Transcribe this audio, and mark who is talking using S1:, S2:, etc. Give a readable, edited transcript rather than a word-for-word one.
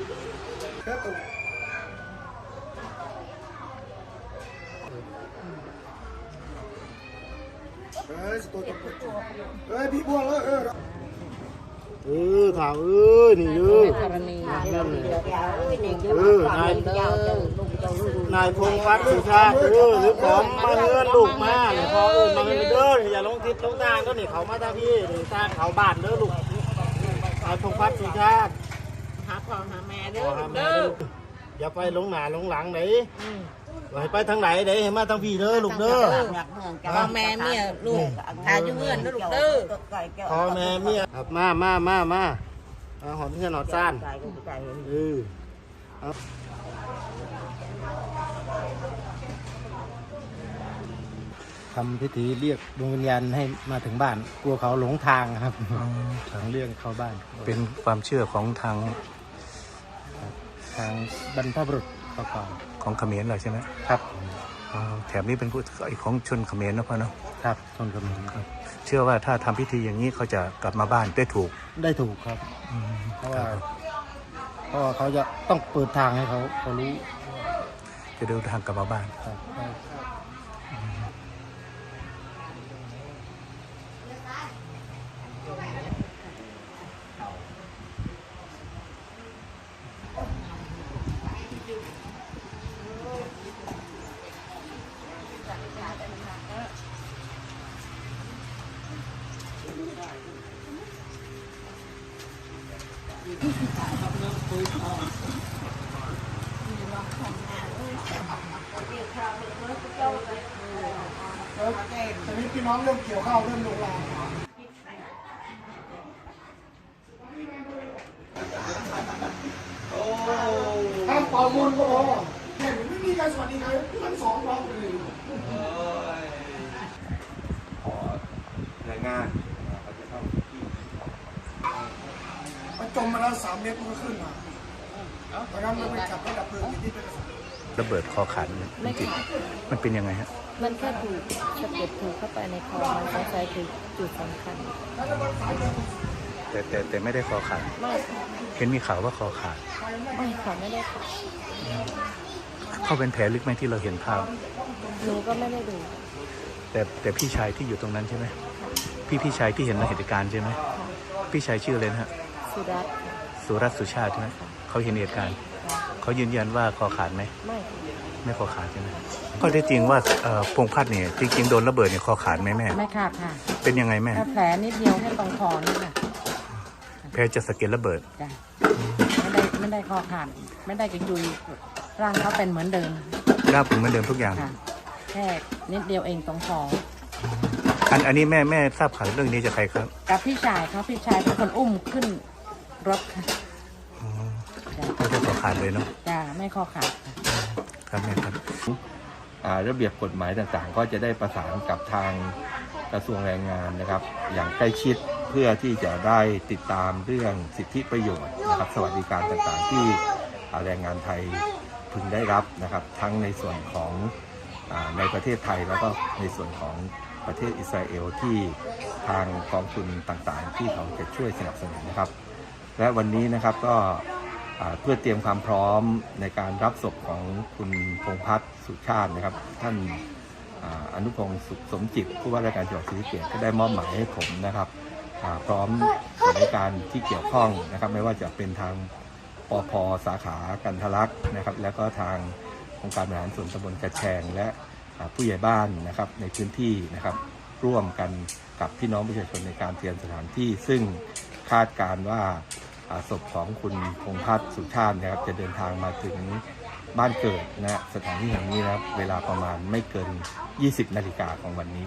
S1: พี่บัวแล้ว
S2: ข่าวนี่นายพงษ์วัดสุชาติหรือผมมาเงินลูกมาเนี่ยพอมาเงินเด้ออย่าลงทิศลงทางก็นี่เขามาทางพี่นี่ทางเขาบ้านเด้อลูกนายพงษ์วัดสุชาติ
S3: หาพ่อหาแม่เด้อ
S2: อย่าไปลงหน้าลงหลังไหนไปทางไหนเดี๋ยวให้มาทางพี่เด้อลูกเด้อ
S3: พ่อแม่เมียลูกหาอยู่เงินเด้อลูกเด้อ
S2: พ่อแม่เมียมาหอมเพื่อนหอดซ่านทำพิธีเรียกดวงวิญญาณให้มาถึงบ้านกลัวเขาหลงทางครับทางเรื่องเข้าบ้าน
S4: เป็นความเชื่อของทาง
S2: บรรพบุรุษก่อน
S4: ของเขมรเลยใช่ไหม
S2: ครับ
S4: แถบนี้เป็นผู้ของชนเขมรนะพ่อเนาะ
S2: ครับชนเขมร
S4: ครับเชื่อว่าถ้าทำพิธีอย่างนี้เขาจะกลับมาบ้านได้ถูก
S2: ครับเพราะว่าเขาจะต้องเปิดทางให้เขารู้
S4: จะเดินทางกลับมาบ้าน
S2: ครับตอนนี้พี่น้องเริ่มเกี่ยวข้าวเริ่มลงแรงถ้าเป่ามุนก็พอแค่ไม่มีการสวัสดีใครทั้งสองร้องเลย
S5: ขอรายงานเขาจะเข้าที่
S1: มันจมมาแล้ว3 เมตรมันก็ขึ้นมาตอนนั้นมันไปขับรถดับเพลิงที่เป็น
S4: ระเบิดคอขาดมันเป็นยังไงฮะ
S6: มันแค่ถูกสะเก็ดถูกเข้าไปในคอมันใช้ใจคือจุดสำคัญ
S4: แต่ไม่ได้คอขาด
S6: ไม่
S4: เห็นมีข่าวว่าคอขาด
S6: ไม่ค่ะไม่ได้ขาด
S4: เขาเป็นแผลลึกไหมที่เราเห็นภาพ
S6: หนูก็ไม่ได้ดู
S4: แต่พี่ชายที่อยู่ตรงนั้นใช่ไหมพี่ชายที่เห็นในเหตุการณ์ใช่ไหมพี่ชายชื่ออะไรนะฮะ
S6: สุรัตน์
S4: สุชาติใช่ไหมเขาเห็นเหตุการณ์เขายืนยันว่าคอขาดไหมไม่คอขาดใช่ไหมก็ได้จริงว่าพงษ์พัฒน์เนี่ยจริงๆโดนระเบิดเนี่ยคอขาดไหมแม่
S6: ไม่ขาดค่ะ
S4: เป็นยังไงแม่
S6: แผลนิดเดียวแค่ตรงคอนี่ค่ะ
S4: แผลจะสะเก็ดระเบิด
S6: ไม่ได้คอขาดไม่ได้กระยุยร่างเขาเป็นเหมือนเดิม
S4: ร่างเป็นเหมือนเดิมทุกอย่าง
S6: แค่นิดเดียวเองตรงคอ
S4: อันนี้แม่ทราบข่าวเรื่องนี้จากใครครับ
S6: กับพี่ชายเป็นคนอุ้มขึ้นรถค่ะ
S4: ไม่ได้คอขาดเลยเนาะ
S6: ไม่คอขาด
S4: ครับแม่ครับ
S5: ระเบียบกฎหมายต่างๆก็จะได้ประสานกับทางกระทรวงแรงงานนะครับอย่างใกล้ชิดเพื่อที่จะได้ติดตามเรื่องสิทธิประโยชน์นะครับสวัสดิการต่างๆที่แรงงานไทยพึงได้รับนะครับทั้งในส่วนของในประเทศไทยแล้วก็ในส่วนของประเทศอิสราเอลที่ทางกองทุนต่างๆที่เขาจะช่วยสนับสนุนนะครับและวันนี้นะครับก็เพื่อเตรียมความพร้อมในการรับศพของคุณพงษ์พัฒน์สุชาตินะครับท่านอนุพงศ์สุขสมจิตผู้ว่าราชการจังหวัดศรีสะเกษก็ได้มอบหมายให้ผมนะครับพร้อมส่วนราชการที่เกี่ยวข้องนะครับไม่ว่าจะเป็นทางปภ.สาขากันทะลักนะครับแล้วก็ทางองค์การบริหารส่วนตำบลกระแชงและผู้ใหญ่บ้านนะครับในพื้นที่นะครับร่วมกันกับพี่น้องประชาชนในการเตรียมสถานที่ซึ่งคาดการว่าศพของคุณพงษ์พัฒน์สุชาตินะครับจะเดินทางมาถึงบ้านเกิดนะสถานที่แห่งนี้นะครับเวลาประมาณไม่เกิน 20 นาฬิกาของวันนี้